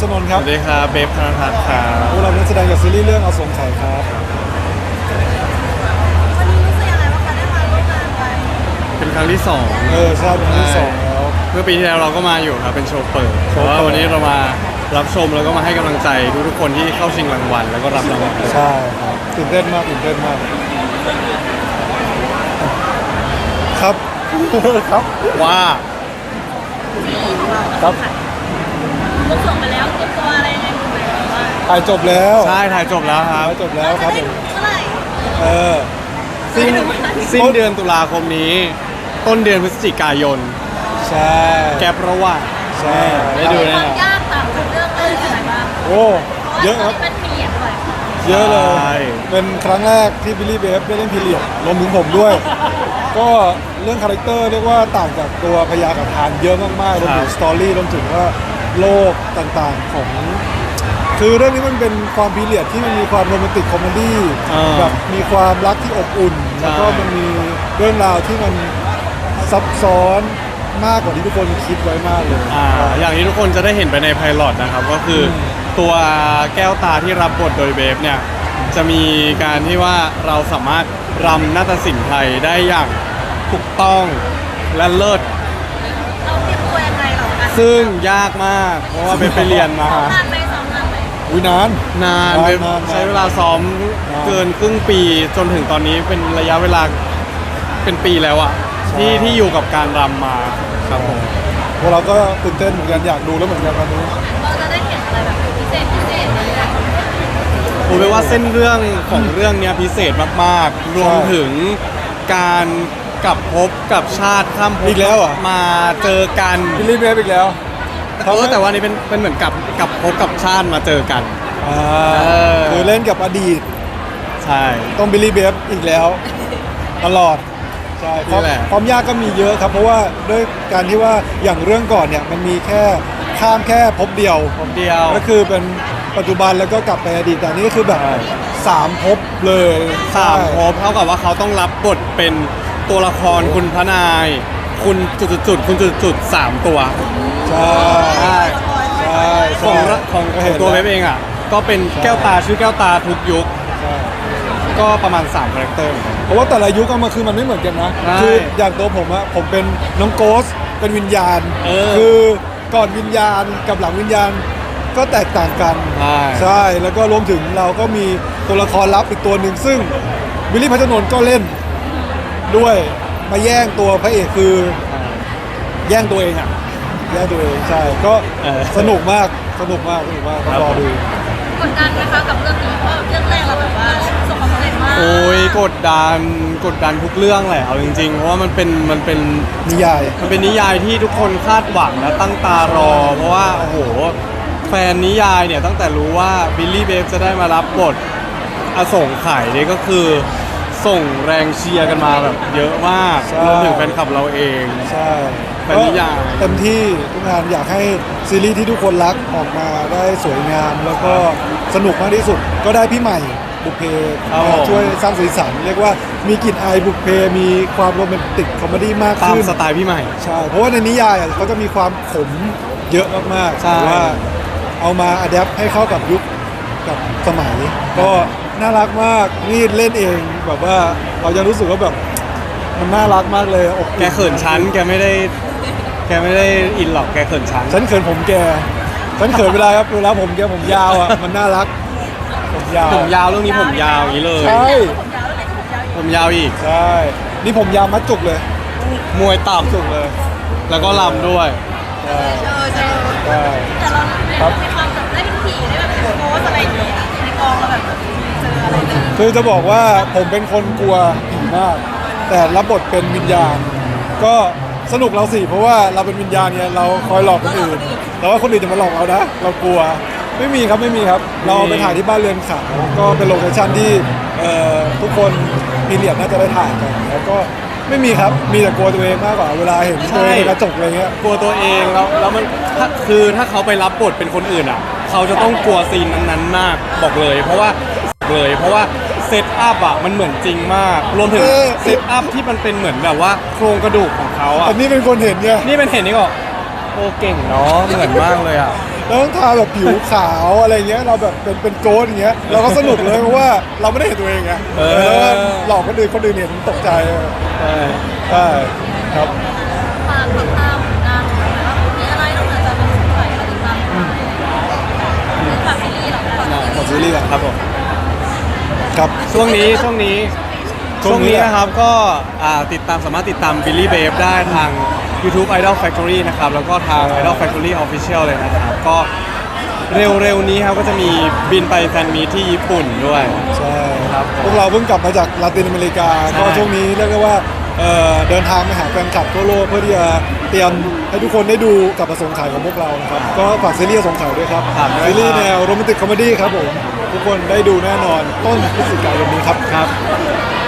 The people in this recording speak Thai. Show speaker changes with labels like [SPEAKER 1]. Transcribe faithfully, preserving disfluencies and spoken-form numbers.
[SPEAKER 1] ชนนท์ครับ
[SPEAKER 2] สวัสดีครับเบฟธนทัศน์ครับ
[SPEAKER 1] พวกเรานักแสดงจากซีรีส์เรื่องอสงไขยครับ
[SPEAKER 3] วันนี้รู้สึกยังไงบ้างคะได้มาร่วมงานกัน
[SPEAKER 2] เป็นครั้งที่สอง
[SPEAKER 1] เออใช่เป็นครั้งที่สองแล้ว
[SPEAKER 2] เมื่อปีที่แล้วเราก็มาอยู่ครับเป็นโชว์เปิด
[SPEAKER 1] โช
[SPEAKER 2] แต่
[SPEAKER 1] ว์เปิด
[SPEAKER 2] ว่าวันนี้เรามารับชมแล้วก็มาให้กำลังใจทุกๆคนที่เข้าชิงรางวัลแล้วก็รับรางวัล
[SPEAKER 1] ใช่ครับตื่นเต้นมากตื่นเต้นมากครับ ครับ
[SPEAKER 2] ว่า
[SPEAKER 1] ครับ
[SPEAKER 3] ลูกส่งไปแล้วเตรียมตัวอะไรยังไงบ้างไหมว่า
[SPEAKER 1] ถ่ายจบแล้ว
[SPEAKER 2] ใช่ถ่ายจบแล้วครับ
[SPEAKER 1] ถ่ายจบแล้วครับ
[SPEAKER 3] จะ
[SPEAKER 1] ผ
[SPEAKER 3] ได้
[SPEAKER 1] ม
[SPEAKER 3] ดูเมื่อไหร่
[SPEAKER 1] เออ
[SPEAKER 2] สิ้นสิ้นเดือนตุลาคมนี้ ต้นเดือนพฤศจิกายน
[SPEAKER 1] ใช่
[SPEAKER 2] แกประว่า
[SPEAKER 1] ใช่
[SPEAKER 2] ได้ดู
[SPEAKER 3] ค
[SPEAKER 2] แน่
[SPEAKER 3] วาม
[SPEAKER 2] นอน
[SPEAKER 3] ยากต่างจากเรื่องแรกยังไงบ้าง
[SPEAKER 1] โอ้เยอะครับ
[SPEAKER 3] พาว่าตนนี้เป็นพีเรียดด้วย
[SPEAKER 1] เยอะเลย เป็นครั้งแรกที่บิลลี่เบฟได้เล่นพีเรียดรวมถึงผมด้วย ก็เรื่องคาแรคเตอร์เรียกว่าต่างจากตัวพยากับทานเยอะมากๆรวมถึงสตอรี่รวมถึงว่าโลกต่างๆของ คือเรื่องนี้มันเป็นความพีเรียดที่มันมีความโรแมนติกคอมเมดี้
[SPEAKER 2] อ่า
[SPEAKER 1] แบบมีความรักที่อบอุ่น
[SPEAKER 2] ใช่
[SPEAKER 1] แล้วก็มันมีเรื่องราวที่มันซับซ้อนมากกว่าที่ทุกคนคิดไว้มากเลย
[SPEAKER 2] อ่าอย่างที่ทุกคนจะได้เห็นไปในไพลอตนะครับก็คืออตัวแก้วตาที่รับบทโดยเบฟเนี่ยจะมีการที่ว่าเราสามารถรำนาฏศิลป์ไทยได้อย่างถูกต้องและเลิศ
[SPEAKER 3] เราเตรียมตัวยังไงเหรอคะ
[SPEAKER 2] ซึ่งยากมาก เพราะว่าเบฟไปเรียนมา
[SPEAKER 3] ซ้อมนานไหมซ้อมนานไหม
[SPEAKER 1] อุ้ยนาน
[SPEAKER 2] นาน
[SPEAKER 1] นาน
[SPEAKER 2] เบฟ
[SPEAKER 1] นาน
[SPEAKER 2] ใช้เวลาซ้อม
[SPEAKER 1] นาน
[SPEAKER 2] เกินครึ่งปีจนถึงตอนนี้เป็นระยะเวลาเป็นปีแล้วอะ
[SPEAKER 1] ใช่
[SPEAKER 2] ที่ที่อยู่กับการรำมาครับผม
[SPEAKER 1] พวกเราก็ตื่นเต้นเหมือนกันอยากดูแล้วเหมือนกันวันนี้
[SPEAKER 3] เราจะได้เห็นอะไรแบบพิเศษพิเศษอะไรอย่างเงี้ย
[SPEAKER 2] ผมว่าเส้นเรื่องของเรื่องเนี้ยพิเศษมากๆ รวมถึงการกลับภพกับชาติข้ามภพ
[SPEAKER 1] อีกแล้วเหรอ
[SPEAKER 2] มาเจอกัน
[SPEAKER 1] บิลลี่เบฟอีกแล้ว
[SPEAKER 2] เออแต่ว่านี่เป็นเป็นเหมือนกับกลับภพกับชาติมาเจอกัน
[SPEAKER 1] อ่า
[SPEAKER 2] เออ
[SPEAKER 1] คือเล่นกับอดีต
[SPEAKER 2] ใช่
[SPEAKER 1] ต้องบิลลี่เบฟอีกแล้ว ตลอดใช่ความ
[SPEAKER 2] นี่แหละ
[SPEAKER 1] ความยากก็มีเยอะครับ เพราะว่าด้วยการที่ว่าอย่างเรื่องก่อนเนี่ยมันมีแค่ข้ามแค่ภพเดียว
[SPEAKER 2] ผมเดียว
[SPEAKER 1] ก็คือเป็นปัจจุบันแล้วก็กลับไปอดีตแต่อันนี่ก็คือแบบ
[SPEAKER 2] ใช่
[SPEAKER 1] สามภพเลย
[SPEAKER 2] สาม
[SPEAKER 1] ใช่
[SPEAKER 2] ภพเท่ากับว่าเขาต้องรับบทเป็นตัวละครคุณพระนาย คุณจุดๆๆคุณจุดๆสามตัว
[SPEAKER 1] ใช่
[SPEAKER 2] ใช่
[SPEAKER 1] ใช่
[SPEAKER 2] ของ
[SPEAKER 1] ใช่
[SPEAKER 2] ของ
[SPEAKER 1] ก็
[SPEAKER 2] ขอ
[SPEAKER 1] ห็
[SPEAKER 2] ง
[SPEAKER 1] น
[SPEAKER 2] ตัวเว็
[SPEAKER 1] แล้
[SPEAKER 2] บเองอ่ะก็เป็น
[SPEAKER 1] ใช่
[SPEAKER 2] แก้วตาชื่อแก้วตาทุกยุค
[SPEAKER 1] ใช่
[SPEAKER 2] ก็ประมาณสามคาแรคเตอร์
[SPEAKER 1] เพราะว่าแต่ละยุคเอามาคือมันไม่เหมือนกันนะ
[SPEAKER 2] ใช่
[SPEAKER 1] คืออย่างตัวผมอะผมเป็นน้องโกสเป็นวิญญาณ
[SPEAKER 2] เออ
[SPEAKER 1] คือก่อนวิญญาณกับหลังวิญญาณก็แตกต่างกัน
[SPEAKER 2] ใช่
[SPEAKER 1] ใช่แล้วก็รวมถึงเราก็มีตัวละครลับอีกตัวหนึ่งซึ่งวิลลี่พัชรนนท์ก็เล่นด้วยมาแย่งตัวพระเอกคือแย่งตัวเองอะแย่งตัวเองใช่ก็
[SPEAKER 2] เออ
[SPEAKER 1] สนุกมากสนุกมากสนุกมากต้องรอดู
[SPEAKER 3] กดดันไหมคะกับเรื่องนี้เพราะเรื่องแรกเราแบบว่าประสบความสำเร็จมาก
[SPEAKER 2] โอ้ยกดดันกดดันทุกเรื่องแหละเอาจริงๆ เพราะว่ามันเป็นมันเป็น
[SPEAKER 1] นิยาย
[SPEAKER 2] มันเป็นนิยายที่ทุกคนคาดหวังและตั้งตารอ เพราะว่าโอ้โหแฟนนิยายเนี่ยตั้งแต่รู้ว่าบิลลี่เบฟจะได้มารับบทอสงไขยเนี่ยก็คือส่งแรงเชียร์กันมาแบบเยอะมาก
[SPEAKER 1] ใช่
[SPEAKER 2] รวมถึงแฟนคลับเราเอง
[SPEAKER 1] ใช่
[SPEAKER 2] เป็นนิยาย
[SPEAKER 1] ก็เต็มที่ทุกงานอยากให้ซีรีส์ที่ทุกคนรักออกมาได้สวยงาม แล้วก็สนุกมากที่สุด ก็ได้พี่ใหม่บุพเพ
[SPEAKER 2] ครับ
[SPEAKER 1] มา
[SPEAKER 2] ผม
[SPEAKER 1] ช่วยสร้างสีสันเรียกว่ามีกลิ่นอายบุพเพมีความโรแมนติกคอมเมดี้มาก
[SPEAKER 2] ตาม
[SPEAKER 1] ขึ้น
[SPEAKER 2] สไตล์พี่ใหม่
[SPEAKER 1] ใช่ เพราะว่าในนิยายอ่ะเขาจะมีความขมเยอะมากๆ
[SPEAKER 2] ใช่
[SPEAKER 1] แต่ว่าเอามาอัดแอปให้เข้ากับยุคกับสมัย ก็น่ารักมากนี่เล่นเองแบบว่าเรายังรู้สึกว่าแบบมันน่ารักมากเลยอบอุ่น
[SPEAKER 2] แกเขินชั้นแกไม่ได้แกไม่ได้อินหรอกแกเขินชั้น
[SPEAKER 1] ฉันเขินผมแกฉันเขินเวลาครับเวลาผมแกผมยาวอ่ะมันน่ารักผมยาว
[SPEAKER 2] ผมยาวเรื่องนี้ผมยาวอย่างนี้เลย
[SPEAKER 1] ใช่
[SPEAKER 3] ผมยาวแล้วไหนก็ผมยาวอยู่
[SPEAKER 2] ผมยาวอีก
[SPEAKER 1] ใช่นี่ผมยาวมัดจุกเลย
[SPEAKER 2] มวยต่
[SPEAKER 1] จุกเลย
[SPEAKER 2] ำแล้วก็ลำด้วย
[SPEAKER 1] ใช่
[SPEAKER 3] เจอเจอ
[SPEAKER 1] ใช่
[SPEAKER 3] แต่เราเรามีความแบบได้เป็นผีได้แบบเป็นโค้ชอะไรอย่างเงี้ยในกองเราแบบเจออะไรเลย
[SPEAKER 1] คือจะบอกว่าผมเป็นคนกลัวผีมาก แต่รับบทเป็นวิญญาณ ก็สนุกเราสิเพราะว่าเราเป็นวิญญาณเนี่ยเราคอยหลอกคนอื่นแต่ว่าคนอื่นจะมาหลอกเรานะ เรากลัวไม่มีครับไม่มีครับ เราไปถ่ายที่บ้านเรือนขาวก็เป็นโลเคชั่นที่เอ่อทุกคนมีเรียดน่าจะได้ถ่ายกันแล้วก็ไม่มีครับมีแต่กลัวตัวเองมากกว่าเวลาเห็นตัวเองในกระจกอะไรเงี้ย
[SPEAKER 2] กลัวตัวเองแล้วแล้วมันถ้าคือถ้าเขาไปรับบทเป็นคนอื่นอ่ะ เขาจะต้องกลัวซีนนั้นๆมากบอกเลย เพราะว่าเลยเพราะว่าเซตอัพอ่ะมันเหมือนจริงมาก รวมถึง
[SPEAKER 1] เออ
[SPEAKER 2] เซตอัพที่มันเป็นเหมือนแบบว่าโครงกระดูกของเขาอ่ะ
[SPEAKER 1] อันนี้เป็นคนเห็นไง
[SPEAKER 2] นี่เป็นเห็นนี่ก็โอ้เก่งเนาะเหมือนมากเลยอ่ะ
[SPEAKER 1] เราต้องทาแบบผิวขาวอะไรเงี้ยเราแบบเป็นเป็นโกดอย่างเงี้ยเราก็สนุกเลยเพราะว่าเราไม่ได้เห็นตัวเองไง
[SPEAKER 2] เออ
[SPEAKER 1] แล้วก็หลอกคนอื่นคนอื่นเห็นตกใจ
[SPEAKER 2] ใช่
[SPEAKER 1] ใช่ครับ
[SPEAKER 3] ฝากติดตามผลงานของเราว่ามีอะไรนอกจากจะเป็นสุดท้ายเราติดตามฝากซีรีส์หรอฝาก
[SPEAKER 1] ขอซีรีส์ก่อน
[SPEAKER 2] ครับผม
[SPEAKER 1] ครับ
[SPEAKER 2] ช่วงนี้ช่วงนี้
[SPEAKER 1] ช่
[SPEAKER 2] ช่
[SPEAKER 1] ว
[SPEAKER 2] ว
[SPEAKER 1] ง
[SPEAKER 2] ง
[SPEAKER 1] นี้
[SPEAKER 2] นี้นะครับก็อ่าติดตามสามารถติดตาม Billy Babe ได้ทาง YouTube Idol Factory นะครับ แล้วก็ทาง Idol Factory Official เลยนะครับ ก็เร็วๆนี้ครับก็จะมีบินไปแฟนมีตที่ญี่ปุ่นด้วย
[SPEAKER 1] ใช่
[SPEAKER 2] ครับ
[SPEAKER 1] พวกเราเพิ่งกลับมาจากลาตินอเมริกา
[SPEAKER 2] ใช่
[SPEAKER 1] ก็ช่วงนี้เรียกได้ว่าเอ่อเดินทางไปหาแฟนคลับทั่วโลกเพื่อที่จะเตรียมให้ทุกคนได้ดูกับประสงค์ขายของพวกเรานะครับก็ฝากซีรีส์ประสงค์ขายด้วยครับ
[SPEAKER 2] ฝากด้วยครับ
[SPEAKER 1] ซีรีส์แนวโรแมนติกคอมเมดี้ครับผมทุกคนได้ดูแน่นอนต้นพฤศจิกายนนี้ครับ
[SPEAKER 2] ครับ
[SPEAKER 3] ฝ